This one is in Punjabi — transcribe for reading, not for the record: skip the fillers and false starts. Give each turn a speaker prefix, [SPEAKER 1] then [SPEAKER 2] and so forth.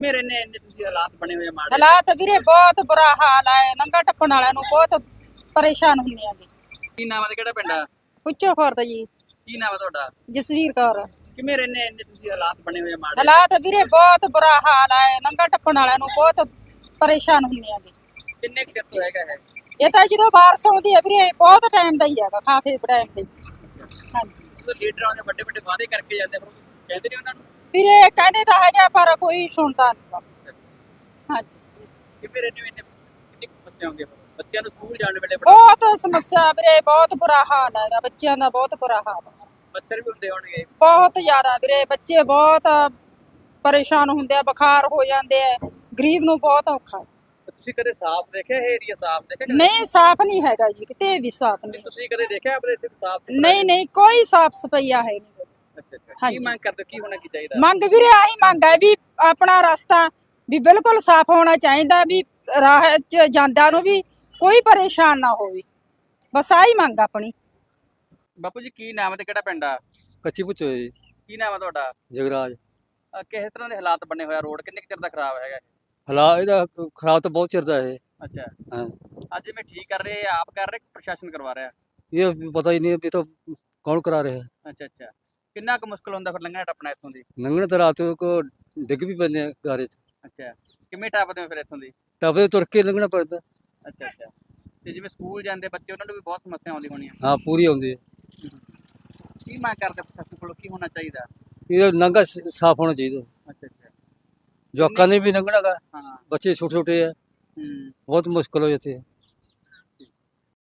[SPEAKER 1] ਮੇਰੇ ਨੇ ਇੰਨੇ ਤੁਸੀਂ ਹਾਲਾਤ ਬਣੇ ਹੋਏ ਆ ਮਾੜੇ।
[SPEAKER 2] ਹਾਲਾਤ ਵੀਰੇ ਬਹੁਤ ਬੁਰਾ ਹਾਲ ਹੈ। ਨੰਗਾ ਟੱਪਣ ਵਾਲਿਆਂ ਨੂੰ ਬਹੁਤ ਪਰੇਸ਼ਾਨ ਹੁੰਦੇ ਆਗੇ।
[SPEAKER 1] ਕੀ ਨਾਮ ਹੈ ਤੇ ਕਿਹੜਾ ਪਿੰਡ ਆ?
[SPEAKER 2] ਪੁੱਛੋ ਖੁਰਦ ਜੀ।
[SPEAKER 1] ਕੀ ਨਾਮ ਹੈ ਤੁਹਾਡਾ?
[SPEAKER 2] ਜਸਵੀਰ ਕੌਰ।
[SPEAKER 1] ਕਿ ਮੇਰੇ ਨੇ ਇੰਨੇ ਤੁਸੀਂ ਹਾਲਾਤ ਬਣੇ ਹੋਏ ਆ ਮਾੜੇ।
[SPEAKER 2] ਹਾਲਾਤ ਵੀਰੇ ਬਹੁਤ ਬੁਰਾ ਹਾਲ ਹੈ। ਨੰਗਾ ਟੱਪਣ ਵਾਲਿਆਂ ਨੂੰ ਬਹੁਤ ਪਰੇਸ਼ਾਨ ਹੁੰਦੇ ਆਗੇ।
[SPEAKER 1] ਕਿੰਨੇ ਕੁ ਚਿਰ ਤੋਂ ਹੈਗਾ ਹੈ?
[SPEAKER 2] ਇਹ ਤਾਂ ਜਦੋਂ ਬਾਰਿਸ਼ ਆਉਂਦੀ ਹੈ ਵੀਰੇ ਬਹੁਤ ਟਾਈਮ ਦਾ ਹੀ ਹੈਗਾ, ਕਾਫੀ ਟਾਈਮ ਦਾ ਹੀ। ਹਾਂਜੀ
[SPEAKER 1] ਜਦੋਂ ਲੀਡਰਾਂ ਦੇ ਵੱਡੇ ਵੱਡੇ ਵਾਅਦੇ ਕਰਕੇ ਜਾਂਦੇ ਫਿਰ ਕਹਿੰਦੇ ਨੇ ਉਹਨਾਂ ਨੂੰ
[SPEAKER 2] ਵੀਰੇ ਕਹਿੰਦੇ ਤਾਂ ਹੈਗਾ ਪਰ ਕੋਈ ਸੁਣਦਾ ਨਹੀਂ। ਹਾਂਜੀ
[SPEAKER 1] ਕਿ ਮੇਰੇ ਨੇ ਇੰਨੇ ਕਿੰਨੀ ਸਮੱਸਿਆ ਆਉਂਦੀ ਹੈ ਬੱਚਿਆਂ ਨੂੰ ਸਕੂਲ ਜਾਣ ਵੇਲੇ
[SPEAKER 2] ਬਹੁਤ ਸਮੱਸਿਆ ਵੀਰੇ, ਬਹੁਤ ਬੁਰਾ ਹਾਲ ਹੈਗਾ ਬੱਚਿਆਂ ਦਾ, ਬਹੁਤ ਬੁਰਾ ਹਾਲ ਹੈ।
[SPEAKER 1] ਮੱਛਰ ਵੀ ਹੁੰਦੇ ਹੋਣਗੇ
[SPEAKER 2] ਬਹੁਤ ਜ਼ਿਆਦਾ ਵੀਰੇ, ਬੱਚੇ ਬਹੁਤ ਪਰੇਸ਼ਾਨ ਹੁੰਦੇ ਆ, ਬੁਖਾਰ ਹੋ ਜਾਂਦੇ ਆ, ਗਰੀਬ ਨੂੰ ਬਹੁਤ ਔਖਾ ਹੈ।
[SPEAKER 1] ਤੁਸੀਂ ਕਦੇ ਸਾਫ਼ ਦੇਖਿਆ ਇਹ ਏਰੀਆ ਸਾਫ਼ ਦੇਖਿਆ ਕਦੇ?
[SPEAKER 2] ਨਹੀਂ ਸਾਫ਼ ਨਹੀਂ ਹੈਗਾ ਜੀ, ਕਿਤੇ ਵੀ ਸਾਫ਼ ਨਹੀਂ।
[SPEAKER 1] ਤੁਸੀਂ ਕਦੇ ਦੇਖਿਆ ਆਪਣੇ ਇੱਥੇ ਸਾਫ਼
[SPEAKER 2] ਨਹੀਂ ਨਹੀਂ ਕੋਈ ਸਾਫ਼ ਸਫਾਈਆ ਹੈ ਨਹੀਂ।
[SPEAKER 1] ਅੱਛਾ ਅੱਛਾ।
[SPEAKER 2] ਹਾਂਜੀ।
[SPEAKER 1] ਕੀ ਮੰਗ ਕਰਦੇ ਕੀ ਹੋਣਾ ਕੀ ਚਾਹੀਦਾ?
[SPEAKER 2] ਮੰਗ ਵੀਰੇ ਆਹੀ ਮੰਗ ਹੈ ਵੀ ਆਪਣਾ ਰਸਤਾ ਵੀ ਬਿਲਕੁਲ ਸਾਫ਼ ਹੋਣਾ ਚਾਹੀਦਾ, ਵੀ ਰਾਹ ਚ ਜਾਂਦਿਆਂ ਨੂੰ ਵੀ ਕੋਈ ਪਰੇਸ਼ਾਨ ਨਾ ਹੋਵੇ, ਬਸ ਆਹੀ ਮੰਗ ਆਪਣੀ।
[SPEAKER 1] ਬਾਪੂ ਜੀ ਕੀ ਨਾਮ ਹੈ ਤੇ ਕਿਹੜਾ ਪਿੰਡ ਆ?
[SPEAKER 3] ਕੱਚੀ ਪੁੱਛੋ ਜੀ।
[SPEAKER 1] ਕੀ ਨਾਮ ਹੈ ਤੁਹਾਡਾ?
[SPEAKER 3] ਜਗਰਾਜ।
[SPEAKER 1] ਕਿਸ ਤਰ੍ਹਾਂ ਦੇ ਹਾਲਾਤ ਬਣੇ ਹੋਇਆ ਰੋਡ ਕਿੰਨੇ ਕੁ ਚਿਰ ਦਾ ਖਰਾਬ ਹੈਗਾ?
[SPEAKER 3] ਹਾਲਾਤ ਇਹਦਾ ਖਰਾਬ ਤਾਂ ਬਹੁਤ ਚਿਰ ਦਾ ਹੈ।
[SPEAKER 1] ਅੱਛਾ।
[SPEAKER 3] ਹਾਂ।
[SPEAKER 1] ਅੱਜ ਮੈਂ ਠੀਕ ਕਰ ਰਹੇ ਆਪ ਕਰ ਰਹੇ ਪ੍ਰਸ਼ਾਸਨ ਕਰਵਾ ਰਿਹਾ?
[SPEAKER 3] ਇਹ ਪਤਾ ਹੀ ਨਹੀਂ ਵੀ ਤਾਂ ਕੌਣ ਕਰਾ ਰਿਹਾ ਹੈ।
[SPEAKER 1] ਅੱਛਾ ਅੱਛਾ। ਕਿੰਨਾ ਕੁ ਮੁਸ਼ਕਲ ਹੁੰਦਾ ਫਿਰ ਲੰਘਣਾ ਟੱਪਣਾ ਇੱਥੋਂ ਦੀ?
[SPEAKER 3] ਲੰਘਣ ਤਾਂ ਰਾਤ ਕੋ ਡਿੱਗ ਵੀ ਪੈਂਦੇ ਆ ਗਾਰੇ 'ਚ।
[SPEAKER 1] ਅੱਛਾ। ਕਿਵੇਂ ਟੱਪਦੇ ਹੋ ਫਿਰ ਇੱਥੋਂ ਦੀ?
[SPEAKER 3] ਟੱਪਦੇ ਤੁਰ ਕੇ ਲੰਘਣਾ ਪੈਂਦਾ।
[SPEAKER 1] ਅੱਛਾ ਅੱਛਾ। ਤੇ ਜਿਵੇਂ ਸਕੂਲ ਜਾਂਦੇ ਬੱਚੇ ਉਹਨਾਂ ਨੂੰ ਵੀ ਬਹੁਤ ਸਮੱਸਿਆ ਆਉਂਦੀ ਹੋਣੀ ਆ?
[SPEAKER 3] ਹਾਂ ਪੂਰੀ ਆਉਂਦੀ ਹੈ।
[SPEAKER 1] ਕੀ ਮੰਗ ਕਰਦੇ ਪ੍ਰਸ਼ਾਸਨ ਕੋਲੋਂ ਕੀ ਹੋਣਾ ਚਾਹੀਦਾ?
[SPEAKER 3] ਇਹਦਾ ਲੰਘਾ ਸਾਫ਼ ਹੋਣਾ ਚਾਹੀਦਾ।
[SPEAKER 1] ਅੱਛਾ ਅੱਛਾ।
[SPEAKER 3] ਜਵਾਕਾਂ ਨੇ ਵੀ ਲੰਘਣਾ ਗਾ,
[SPEAKER 1] ਹਾਂ।
[SPEAKER 3] ਬੱਚੇ ਛੋਟੇ ਛੋਟੇ ਆ,
[SPEAKER 1] ਹੂੰ।
[SPEAKER 3] ਬਹੁਤ ਮੁਸ਼ਕਲ ਹੋ ਜਾਂਦੀ ਹੈ।